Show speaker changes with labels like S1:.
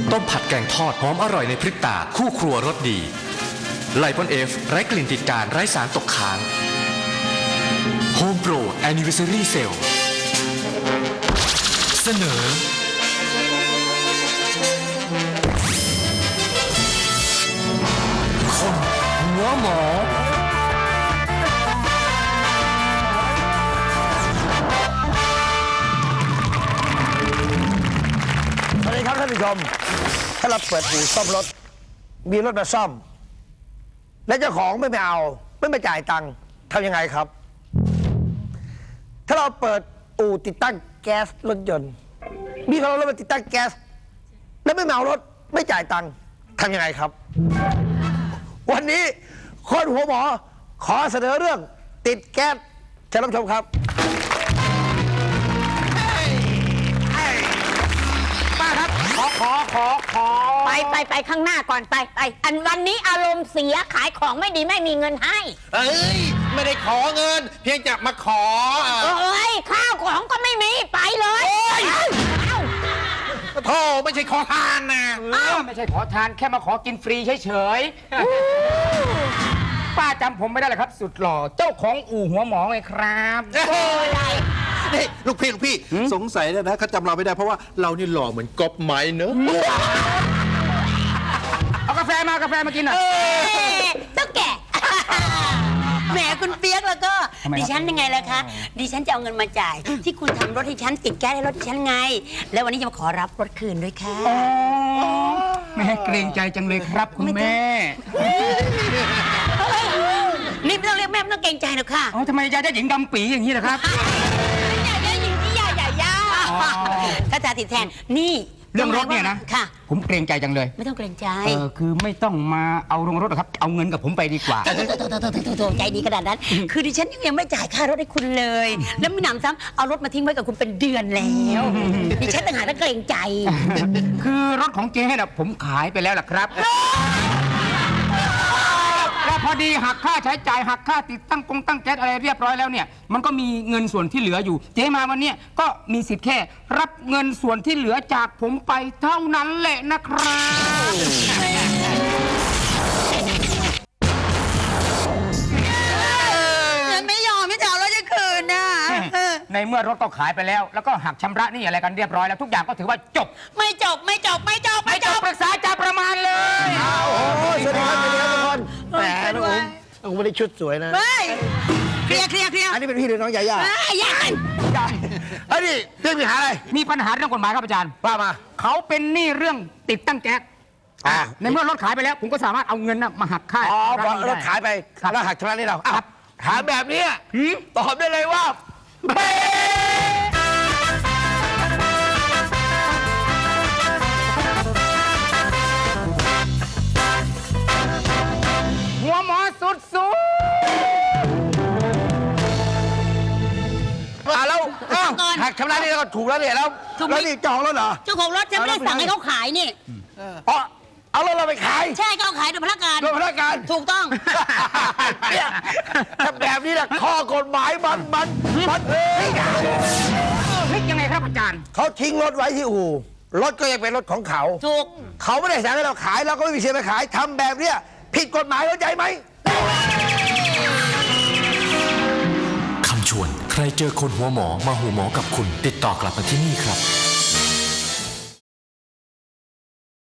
S1: ต้มผัดแกงทอดหอมอร่อยในพริบตาคู่ครัวรสดีไลปอนเอฟไร้กลิ่นติดการไร้สารตกค้างโฮมโปรแอนนิเวอร์ซารีเซลเสนอคนหัวหมอ
S2: สวัสดีครับท่านผู้ชมถ้าเราเปิดอู่ซ่อมรถมีรถมาซ่อมและเจ้าของไม่เอาไม่มาจ่ายตังค์ทำยังไงครับถ้าเราเปิดอู่ติดตั้งแก๊สรถยนต์มีคนเอารถมาติดตั้งแก๊สแล้วไม่เอารถไม่จ่ายตังค์ทำยังไงครับวันนี้คนหัวหมอขอเสนอเรื่องติดแก๊สเชิญรับชมครับป้าครับขอ
S3: ไปข้างหน้าก่อนไปอันวันนี้อารมณ์เสียขายของไม่ดีไม่มีเงินให้
S4: เอ้ยไม่ได้ขอเงินเพียงจะมาขอ
S3: เอ้ยข้าวของก็ไม่มีไปเลย
S4: โธ่ไม่ใช่ขอทานนะ
S5: ไม่ใช่ขอทานแค่มาขอกินฟรีเฉยๆป้าจำผมไม่ได้เลยครับ สุดหล่อเจ้าของอู่หัวหมอไงครับ
S4: นี่ลูกพี่สงสัยนะเขาจำเราไม่ได้เพราะว่าเรานี่หล่อเหมือนก๊อปไม้เนอะ
S5: เอากาแฟมากินหน่อย
S3: ตุ๊กแกแหมคุณเปียกแล้วก็ดิฉันยังไงล่ะคะดิฉันจะเอาเงินมาจ่ายที่คุณทำรถให้ฉันติดแก๊สให้รถที่ฉันไงแล้ววันนี้จะมาขอรับรถคืนด้วยค่ะ
S5: แม่เกรงใจจังเลยครับคุณแม่
S3: นี่ไม่ต้องเรียกแม่ไม่ต้องเกรงใจหรอกค่ะ
S5: ทำไมยายได้หญิงดำปีอย่างนี้ล่ะครับ
S3: ยายได้หญิงที่ยาถ้าจะติดแทนนี่
S5: เรื่องรถเนี่ยนะ
S3: ค่ะ
S5: ผมเกรงใจจังเลย
S3: ไม่ต้องเกรงใจ
S5: คือไม่ต้องมาเอาลงรถหรอกครับเอาเงินกับผมไปดีกว่า
S3: โถใจดีขนาดนั้นคือดิฉันยังไม่จ่ายค่ารถให้คุณเลยแล้วไม่หนำซ้ำเอารถมาทิ้งไว้กับคุณเป็นเดือนแล้วดิฉันต่างหากต้องเกรงใจ
S5: คือรถของเจ๊เนี่ยผมขายไปแล้วล่ะครับแล้วพอดีหักค่าใช้จ่ายหักค่าติดตั้งแก๊สอะไรเรียบร้อยแล้วเนี่ยมันก็มีเงินส่วนที่เหลืออยู่เจ๊มาวันนี้ก็มีสิทธิ์แค่รับเงินส่วนที่เหลือจากผมไปเท่านั้นแหละนะครับ
S3: ไม่ยอมไม่จะเอารถจะคืนนะ
S5: ในเมื่อรถก็ขายไปแล้วแล้วก็หักชำระนี่อะไรกันเรียบร้อยแล้วทุกอย่างก็ถือว่าจบ
S3: ไม่จบป
S5: รึกษาจะประมาณเลย
S2: โอ้สวัสดีครับทุกคนแหมน้องอุ้มไม่ได้ชุดสวยนะ
S3: เคลียร์
S2: อันนี้เป็นพี่หรือน้องยาย่าอันนี้เรื่องปัญหาอะไร
S5: มีปัญหาเรื่องกฎหมายครับอาจารย์
S2: ว่ามา
S5: เขาเป็นหนี้เรื่องติดตั้งแก๊สในเมื่อรถขายไปแล้วผมก็สามารถเอาเงินมาหักค่า
S2: พอรถขายไปแล้วหักชำระนี่เราถามแบบนี้ตอบได้เลยว่า
S5: หัวหมอสุด
S2: แล้วหักชำระนี่เราถูกแล้วเนี่ยแล้วนี่เจ้าของรถเหรอ
S3: เจ้าของรถฉันไม่ได้สั่งให้เขาขายนี่
S2: เอารถเราไปขาย
S3: ใช่เขาขายโดยพนักงานถูกต้อง
S2: เนี่ยถ้าแบบนี้แหละข้อกฎหมายมัน
S5: พลิกยังไงครับอาจารย์
S2: เขาทิ้งรถไว้ที่อู่รถก็ยังเป็นรถของเขา
S3: ถูก
S2: เขาไม่ได้สั่งให้เราขายเราก็ไม่มีสิทธิ์ไปขายทำแบบเนี้ยผิดกฎหมายเข้าใจไหม
S1: คำชวนใครเจอคนหัวหมอมาหัวหมอกับคุณติดต่อกลับมาที่นี่ครับ